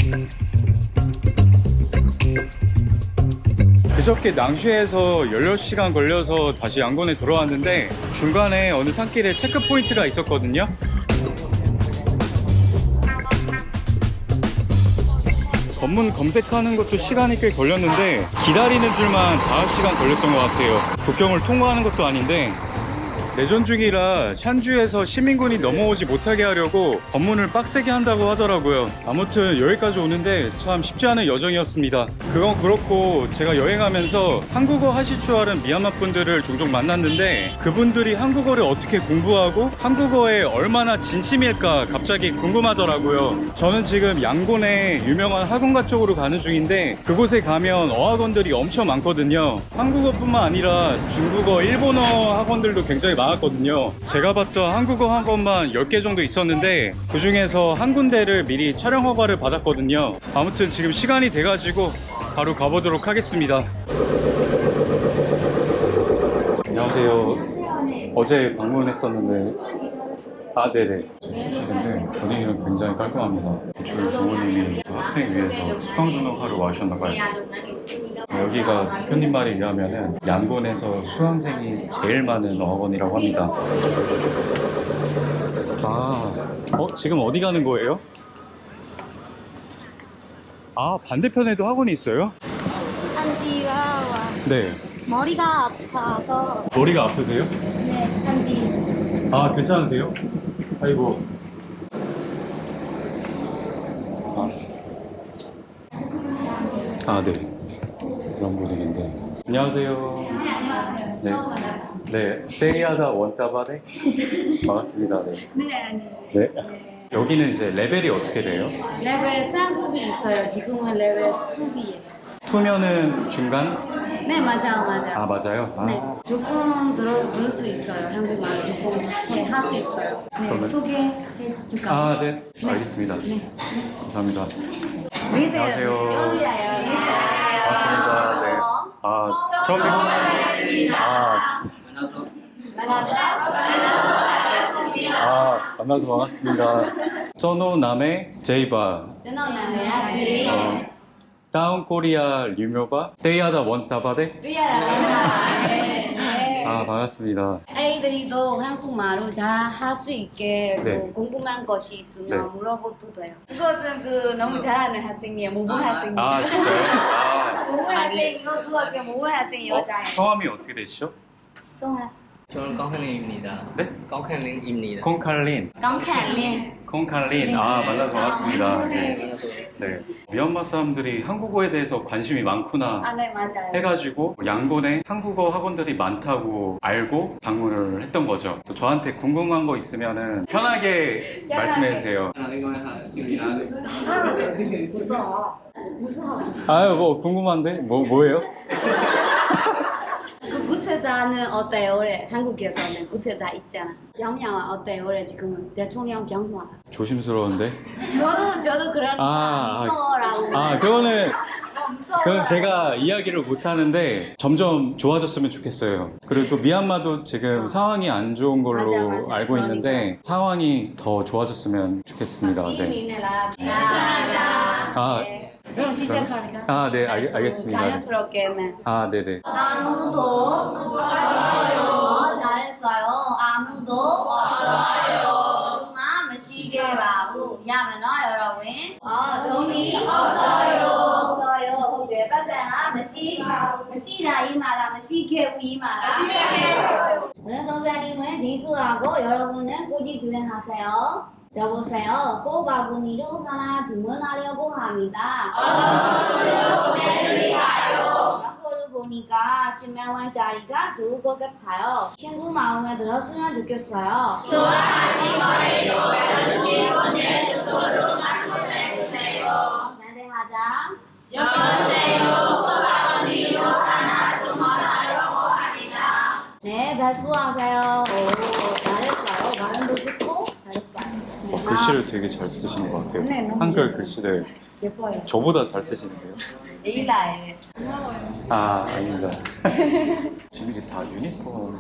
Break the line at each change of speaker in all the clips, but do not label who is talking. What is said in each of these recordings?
그저께 낭쉐에서 16시간 걸려서 다시 양곤에 들어왔는데 중간에 어느 산길에 체크포인트가 있었거든요. 검문 검색하는 것도 시간이 꽤 걸렸는데 기다리는 줄만 5시간 걸렸던 것 같아요. 국경을 통과하는 것도 아닌데 내전 중이라 샨주에서 시민군이 넘어오지 못하게 하려고 검문을 빡세게 한다고 하더라고요. 아무튼 여기까지 오는데 참 쉽지 않은 여정이었습니다. 그건 그렇고 제가 여행하면서 한국어 하실 줄 아는 미얀마 분들을 종종 만났는데 그분들이 한국어를 어떻게 공부하고 한국어에 얼마나 진심일까 갑자기 궁금하더라고요. 저는 지금 양곤의 유명한 학원가 쪽으로 가는 중인데 그곳에 가면 어학원들이 엄청 많거든요. 한국어뿐만 아니라 중국어, 일본어 학원들도 굉장히 많았거든요. 제가 봤던 한국어 학원만 10개 정도 있었는데 그 중에서 한 군데를 미리 촬영 허가를 받았거든요. 아무튼 지금 시간이 돼가지고 바로 가보도록 하겠습니다. 안녕하세요. 어제 방문했었는데 네네. 주식인데 분위기는 굉장히 깔끔합니다. 저희 부모님이 학생 위해서 수강 등록하러 와주셨나봐요. 여기가 대표님 말에 의하면 양곤에서 수강생이 제일 많은 어학원이라고 합니다. 지금 어디 가는 거예요? 반대편에도 학원이 있어요?
한디가 와.
네.
머리가 아파서.
머리가 아프세요?
네, 한디.
괜찮으세요? 아이고. 네. 그런 분위기인데. 안녕하세요.
네, 안녕하세요.
네.
처음 만나서.
네. 떼이하다 원따바네. 반갑습니다. 네.
네, 안녕하세요.
네. 여기는 이제 레벨이 어떻게 돼요?
레벨 3급이 있어요. 지금은 레벨 2B예요.
투면은 중간?
네, 맞아요.
맞아요?
네, 조금 들을 수 있어요. 한국말 조금 할 수 있어요. 네,
그러면?
소개해 줄까요?
네. 알겠습니다.
네.
감사합니다.
안녕하세요.
반갑습니다. 네. 처음 만나서 반갑습니다. 저노남의 제이바.
저는 남해야지.
다운 코리아 류묘바. 떼이하다 원따바데.
네.
반갑습니다.
아이들이도 한국말로 잘 할 수 있게
네.
궁금한 것이 있으면
네.
물어봐도 돼요. 그것은 너무 잘하는 학생이에요. 모범 학생이에요.
진짜요?
모범 학생이고 그것은 모범 학생 여자예요.
성함이 어떻게 되시죠?
송아.
저는 깡칼린입니다.
네?
깡칼린입니다.
콩칼린.
깡칼린.
콩칼린. 만나서 반갑습니다. 네.
네.
네. 미얀마 사람들이 한국어에 대해서 관심이 많구나
네, 맞아요.
해가지고 양곤에 한국어 학원들이 많다고 알고 방문을 했던 거죠. 또 저한테 궁금한 거 있으면은 편하게 말씀해 주세요.
무서워.
뭐 궁금한데? 뭐예요?
그 구테다는 어때요? 올해 한국에서는 구테다 있잖아. 병영 어때요? 올해 지금은 대통령 병화.
조심스러운데?
저도 그런 무서워라고. 무서워.
그건 제가 이야기를 못 하는데 점점 좋아졌으면 좋겠어요. 그리고 또 미얀마도 지금 상황이 안 좋은 걸로
맞아.
알고 있는데
그러니까.
상황이 더 좋아졌으면 좋겠습니다. 네.
그럼 시작할까?
네, 알겠습니다.
자연스럽게는.
네네.
아무도 없어요. 잘했어요. 아무도 없어요. 마시게 바고 야면어 여러분. 돈이 없어요. 혹시 빠세나 마시라 이 말아 마시게 이 말아. 오늘 선생님은 지수하고 여러분은 꼬지 주행하세요. 여보세요. 꼬바구니로 하나 주문하려고 합니다. 광고를 보니까 10만 원짜리가 좋을 것 같아요. 친구 마음에 들었으면 좋겠어요. 좋아하신 거예요. 여러분의 주소로 말씀해주세요. 반대하자. 여보세요. 꼬바구니로 하나 주문하려고 합니다. 네, 발수하세요. 잘했어요. 발음도 좋고 잘했어요.
글씨를 되게 잘 쓰시는 것 같아요.
네, 너무
한글
예뻐요.
글씨를
예뻐요.
저보다 잘 쓰시는데요?
에일라에.
아닙니다. 지금 이게 다 유니폼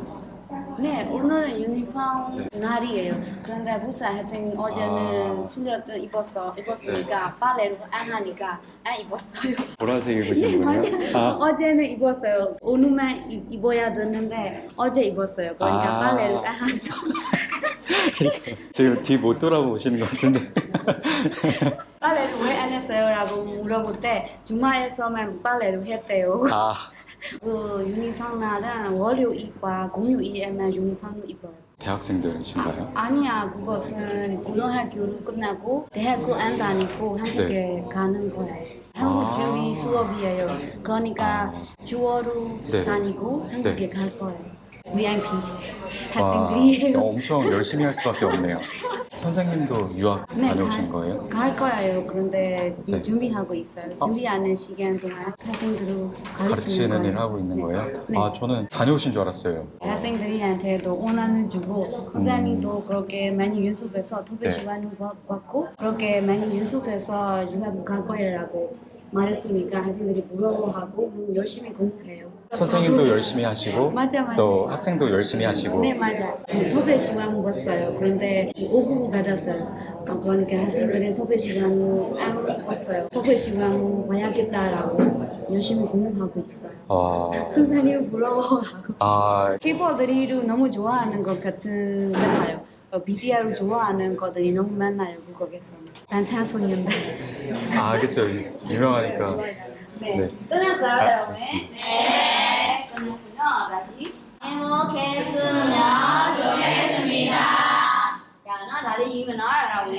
네, 오늘은 유니폼 날이에요. 그런데 부산 학생이 어제는
아.
출렸던 입었으니까 빨래로 안 하니까 안 입었어요.
보라색 입으신 거예요?
맞아요. 어제는 입었어요. 오늘만 입어야 되는데 어제 입었어요. 그러니까
아.
빨래를 안 해서.
지금 뒤 못 돌아보시는 것 같은데.
빨래를 왜 안 했어요? 라고 물어볼 때 주말에서만 빨래를 했대요.
아,
그 유니폼 날은 월요일과 공휴일에만 유니폼을 입어요.
대학생들이신가요?
아니야, 그것은 고등학교를 끝나고 대학교 안 다니고 한국에 가는 거예요. 한국
아.
준비 수업이에요. 그러니까 주어로
네.
다니고 한국에
네.
갈 거예요. VIP
와,
학생들이에요.
엄청 열심히 할 수밖에 없네요. 선생님도 유학 다녀오신 거예요?
갈 거예요. 그런데 지금
네.
준비하고 있어요. 준비하는 시간 동안 학생들을
가르치는
가르치는
일
거예요.
하고 있는
네.
거예요?
네.
아, 저는 다녀오신 줄 알았어요.
학생들한테도 원하는 주고 선생님도 그렇게 많이 연습해서 토픽 시간을 받고 그렇게 많이 연습해서 유학 갈 거라고 말했으니까 학생들이 부러워하고 열심히 공부해요.
선생님도 열심히 하시고
맞아.
또 학생도 열심히 하시고
네 맞아. 토픽 시간 봤어요. 그런데 5급 받았어요. 그러니까 학생들은 토픽 시간을 안 봤어요. 토픽 시간을 봐야겠다라고 열심히 공부하고 있어요.
아,
선생님 부러워하고.
아,
키보드를 너무 좋아하는 것 같아요. BTR을 좋아하는 것들이 너무 많아요, 국곡에서는. 방탄소년단.
아, 그쵸. 유명하니까.
네.
네.
끝났어요, 여러분?
맞습니다.
네. 끝났군요. 다시. 행복했으면 좋겠습니다. 자, 너 다들 읽으면 여러분.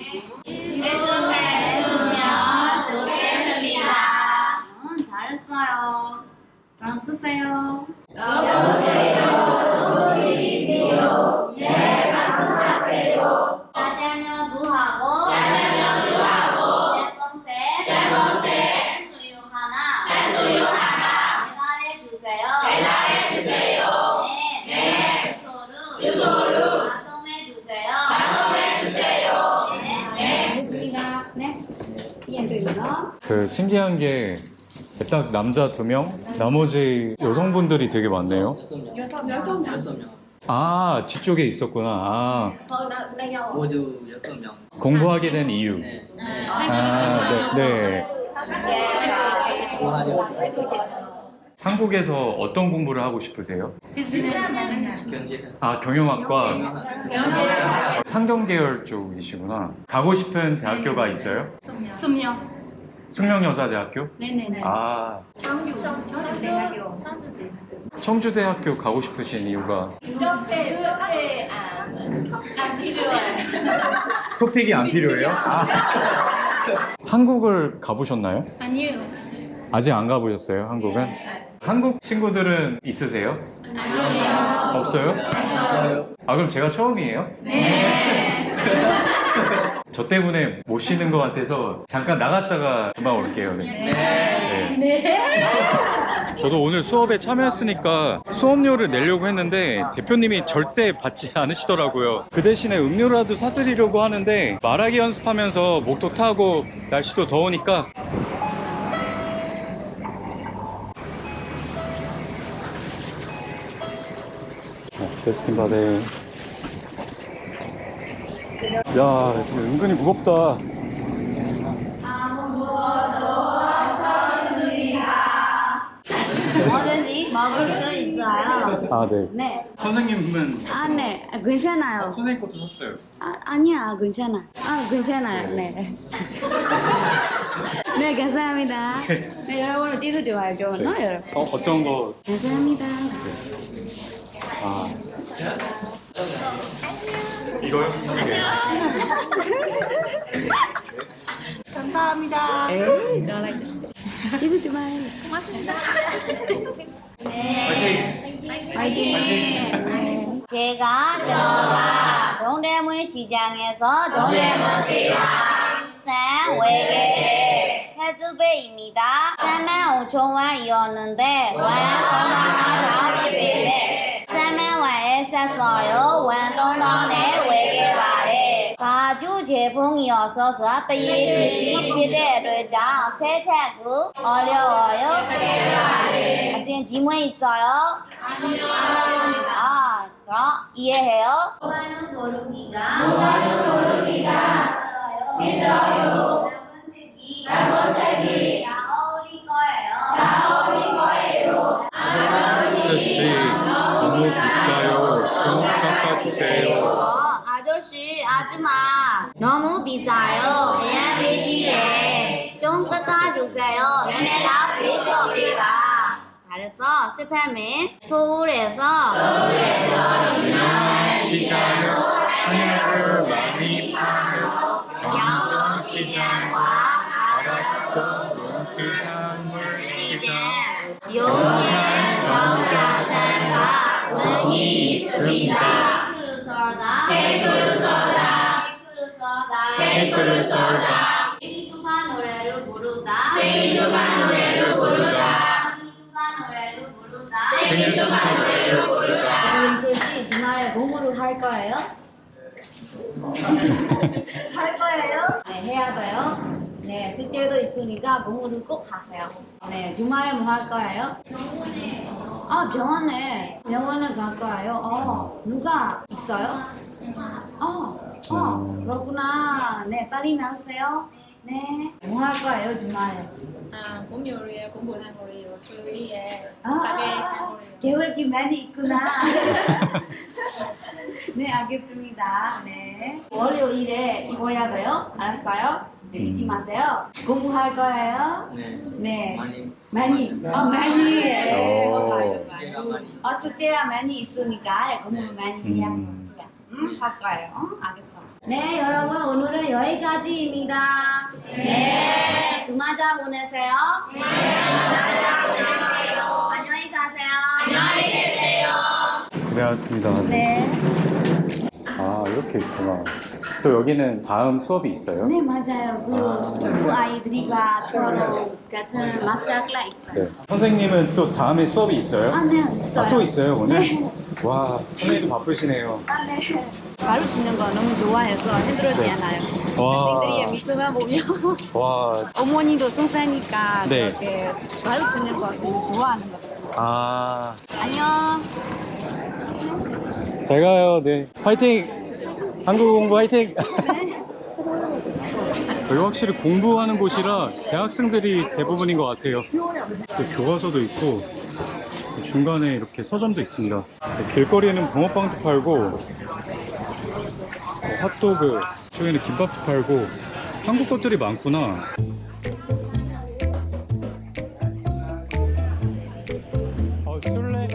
행복했으면 좋겠습니다. 잘했어요. 그럼 쓰세요. 짜장면도 하고 짬뽕새 수육 하나 배달해 주세요. 네. 주소로 말씀해 주세요. 네. 됐습니다. 네. 이해되나요?
그 신기한 게 딱 남자 2명, 나머지 여성분들이 되게 많네요.
6명.
아, 뒤쪽에 있었구나. 아,
모두 6명.
공부하게 된 이유.
네.
아, 네. 한국에서 어떤 공부를 하고 싶으세요?
경제.
아, 경영학과. 상경 계열 쪽이시구나. 가고 싶은 대학교가 있어요? 숙명여자대학교?
네네네.
아,
청주대학교.
청주대학교 가고 싶으신 이유가 토픽이 안 필요해요? 아. 한국을 가보셨나요?
아니에요.
아직 안 가보셨어요, 한국은? 한국 친구들은 있으세요?
아니에요.
없어요? 아, 그럼 제가 처음이에요? 네. 저 때문에 못 쉬는 것 같아서 잠깐 나갔다가 금방 올게요. 네. 저도 오늘 수업에 참여했으니까 수업료를 내려고 했는데 대표님이 절대 받지 않으시더라고요. 그 대신에 음료라도 사드리려고 하는데 말하기 연습하면서 목도 타고 날씨도 더우니까 데스틴 바데. 야, 지금 은근히 무겁다.
뭐든지 먹을 수 있어요.
아, 네.
네.
선생님은
네. 괜찮아요.
선생님 것도 샀어요.
아니야, 괜찮아. 괜찮아요. 네. 네, 감사합니다. 네, 여러분 찌도 좋아요, 여러분.
어떤 거?
감사합니다.
아. 이거요? 네.
감사합니다.
에이, 찌도 좋아요.
고맙습니다.
화이팅! 네. 제가 동대문 시장에서 산 외계 헤드베입니다. 35,000원이었는데 완성하라 예배 3만원에 샀어요. 완동동네 외계 발에 가죽 제품이어서 떼이듯이 기대를 장 세차구 어려워요. 지금 질문 있어요? 아, 그럼 이해해요? 뭐하는 고르기가 힘들어요. 작은 색이 다 어울릴 거예요.
아저씨 너무 비싸요. 좀 깎아주세요.
아저씨, 아줌마 너무 비싸요. 그냥 비지에 좀 깎아주세요. 얘네가 비숍이다. 잘했어. 스팸이 서울에서
유명한 시장을 하늘을 많이 파는 경동시장과 바닷가 농수산물 시장
용산 정자산과 등이 있습니다. 케이크를 썰다. 생일 축하 노래를 부르다. 은솔 씨 주말에 공부를 할 거예요? 할 거예요? 네, 해야 돼요. 네, 숙제도 있으니까 공부를 꼭 하세요. 네, 주말에 뭐 할 거예요? 병원에. 아, 병원에 갈 거예요. 누가 있어요? 그렇구나. 네, 빨리 나오세요. 네. 뭐 할 거예요, 주말에?
cũng nhiều rồi cũng buồn ăn rồi chơi
계획이 많이 있구나. 네, 알겠습니다. 네. 월요일에 입어야 돼요? 알았어요? 네, 잊지 마세요. 공부할 거예요?
네.
네.
많이.
많이.
숙제가 많이 있어요.
숙제가 많이 있으니까 공부 많이 해야 됩니다. 할 거예요. 알겠어. 네, 여러분 오늘은 여기까지입니다. 네. 주말 잘 보내세요. 네. 안녕히 가세요. 안녕히 계세요.
고생하셨습니다.
네.
아 이렇게 있구나. 또 여기는 다음 수업이 있어요?
네, 맞아요. 그 아이들과 저랑 같은 마스터 클래스 있어요.
네. 선생님은 또 다음에 수업이 있어요?
네, 있어요.
아, 또 있어요 오늘?
네.
와 선생님도 바쁘시네요.
네. 가르치는 거 너무 좋아해서 힘들지
네.
않아요.
와.
학생들이 미소만 보면
와.
어머니도 선생니까
네.
그렇게 가르치는 거 좋아하는 거 같아요.
아.
안녕.
잘 가요. 네. 화이팅! 한국 공부 화이팅! 여기 확실히 공부하는 곳이라 대학생들이 대부분인 것 같아요. 교과서도 있고 중간에 이렇게 서점도 있습니다. 길거리에는 붕어빵도 팔고 핫도그, 저기는 김밥도 팔고 한국 것들이 많구나. 술래?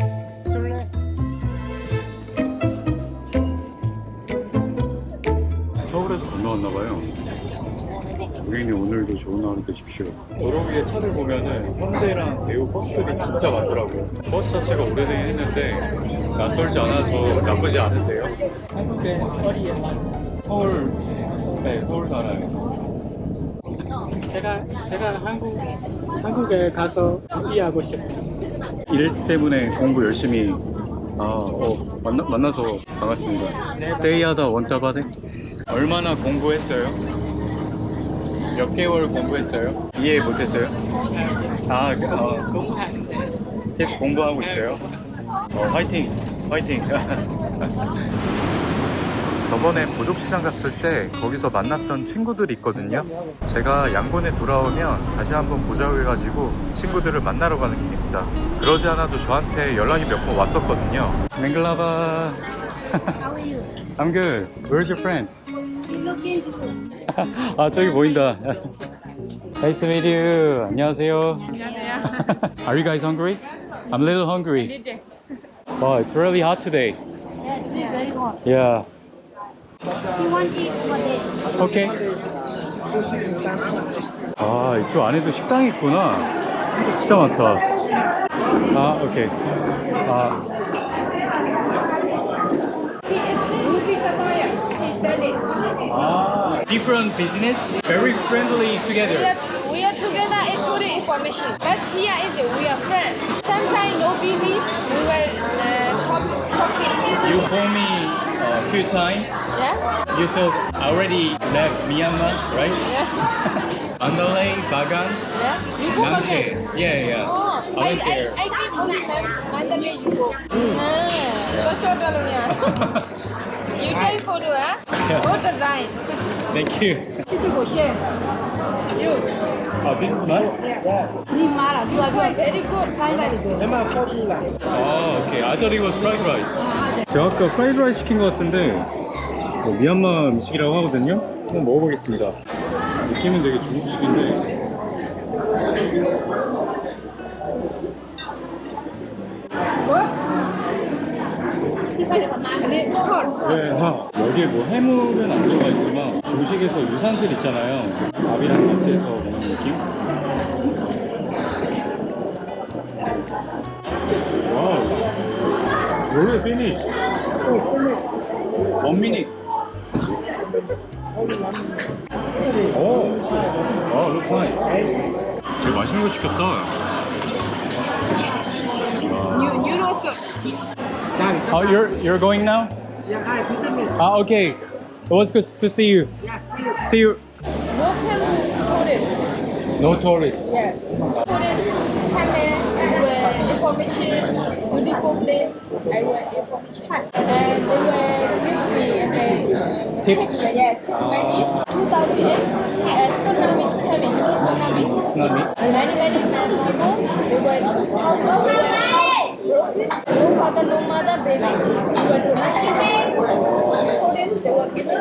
서울에서 건너왔나봐요. 우리는 오늘도 좋은 하루 되십시오. 도로 위에 차들 보면은 현대랑 대우 버스들이 진짜 많더라고요. 버스 자체가 오래되긴 했는데 낯설지 않아서 나쁘지 않은데요. 한국에 서울, 네, 서울 살아요.
제가 한국에 가서 일하고 싶어요.
일 때문에 공부 열심히 만나서 반갑습니다. 데이하다 원따바데? 얼마나 공부했어요? 몇 개월 공부했어요? 이해 못했어요? 계속 공부하고 있어요? 화이팅! 화이팅! 저번에 보족시장 갔을 때 거기서 만났던 친구들이 있거든요. 제가 양곤에 돌아오면 다시 한번 보자고 해가지고 친구들을 만나러 가는 길입니다. 그러지 않아도 저한테 연락이 몇 번 왔었거든요. 맹글라바.
How are you?
I'm good. Where's your friend?
You look beautiful.
아 저기 보인다. Nice to meet you. 안녕하세요. Are you guys hungry? I'm a little hungry. Wow, it's really hot today.
Yeah, it's very hot.
Yeah.
You want eggs for this?
Okay. 아 이쪽 안에도 식당이 있구나. 진짜 많다. 아 오케이. Different business, very friendly together.
We are together in food information. But here is we are friends. Sometimes no busy, we will talk
You called me a few times.
Yeah?
You thought I already left Myanmar, right?
Yeah.
Mandalay, Bagan,
Yeah? You go
Namche.
again?
Yeah.
Oh,
I went there.
I think only Mandalay you go. Betul kalau ya. You take photo Go design.
Thank you.
You.
Oh, this is mine?
Very good.
Oh, okay. I thought it was fried rice. 제가 아까 프라이드 라이스 시킨 것 같은데 뭐 미얀마 음식이라고 하거든요. 한번 먹어보겠습니다. 느낌은 되게 중국식인데. 네, 여기에 뭐 해물은 안 들어가 있지만 중식에서 유산슬 있잖아요. 밥이랑 같이 해서 먹는 느낌? 와우. Really finished. 1 minute. 오, looks nice. 되게 맛있는 거 시켰다. Oh, you're going now? Ah, okay. It was good to see you. See you.
No tourist.
No tourist.
Yeah. Tourist come here, where information, beautiful place, I wear information. And they were with me and they
Tips?
Yeah, tip money. 2008 and tsunami coming.
Tsunami.
Many people, they were no father, no mother, baby. They were donation. Tourists, they were giving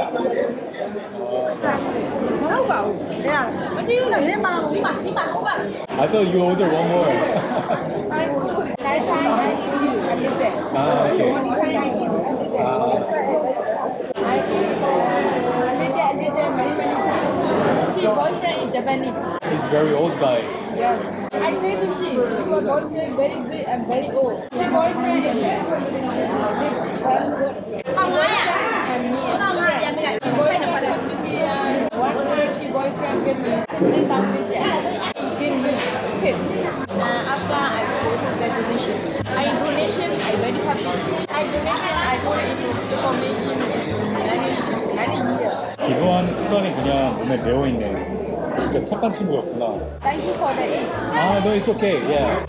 I thought you ordered one more.
Night time I eat this and this day.
Ah, okay.
Morning time I eat and this day. That's why I eat a little, many times. She boyfriend is Japanese.
He's very old guy.
Yeah. I say to she, your boyfriend very big and very old. She boyfriend is big, very good. And me and she boyfriend give me one time she boyfriend give me 3,000 yen. Give me tip. After I go to the donation. I donation, I very happy. I donation, I put it into information many years.
기도하는 습관이 그냥 몸에 배어있네. 진짜 착한 친구였구나.
Thank you for the aid.
Ah, no, it's okay. Yeah.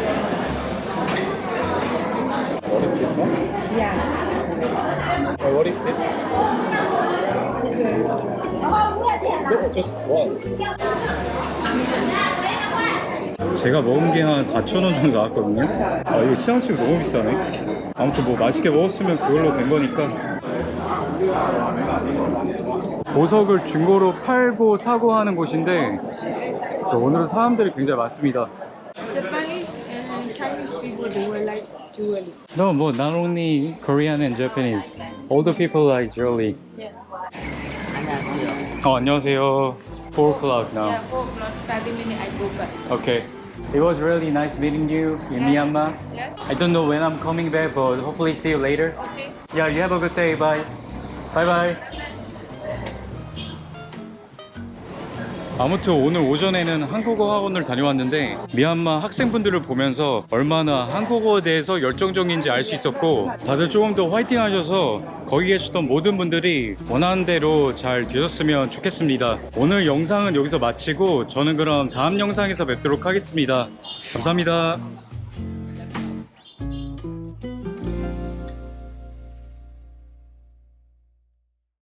What is this one?
Yeah.
What is this? No, just one. 제가 먹은 게 한 4,000원 정도 나왔거든요. 아, 이거 시장치고 너무 비싸네. 아무튼 뭐 맛있게 먹었으면 그걸로 된 거니까. 보석을 중고로 팔고 사고 하는 곳인데 저 오늘은 사람들이 굉장히 많습니다.
Japanese and Chinese people, they were like jewelry.
No, well, not only Korean and Japanese. All the people like jewelry.
Yeah.
안녕하세요. 4 o'clock now.
Yeah, 4 o'clock, 30 minutes I go back.
Okay. It was really nice meeting you in Myanmar.
Yeah?
I don't know when I'm coming back, but hopefully see you later.
Okay.
Yeah, you have a good day. Bye. Bye bye. 아무튼 오늘 오전에는 한국어 학원을 다녀왔는데 미얀마 학생분들을 보면서 얼마나 한국어에 대해서 열정적인지 알 수 있었고 다들 조금 더 화이팅 하셔서 거기 계셨던 모든 분들이 원하는 대로 잘 되셨으면 좋겠습니다. 오늘 영상은 여기서 마치고 저는 그럼 다음 영상에서 뵙도록 하겠습니다. 감사합니다.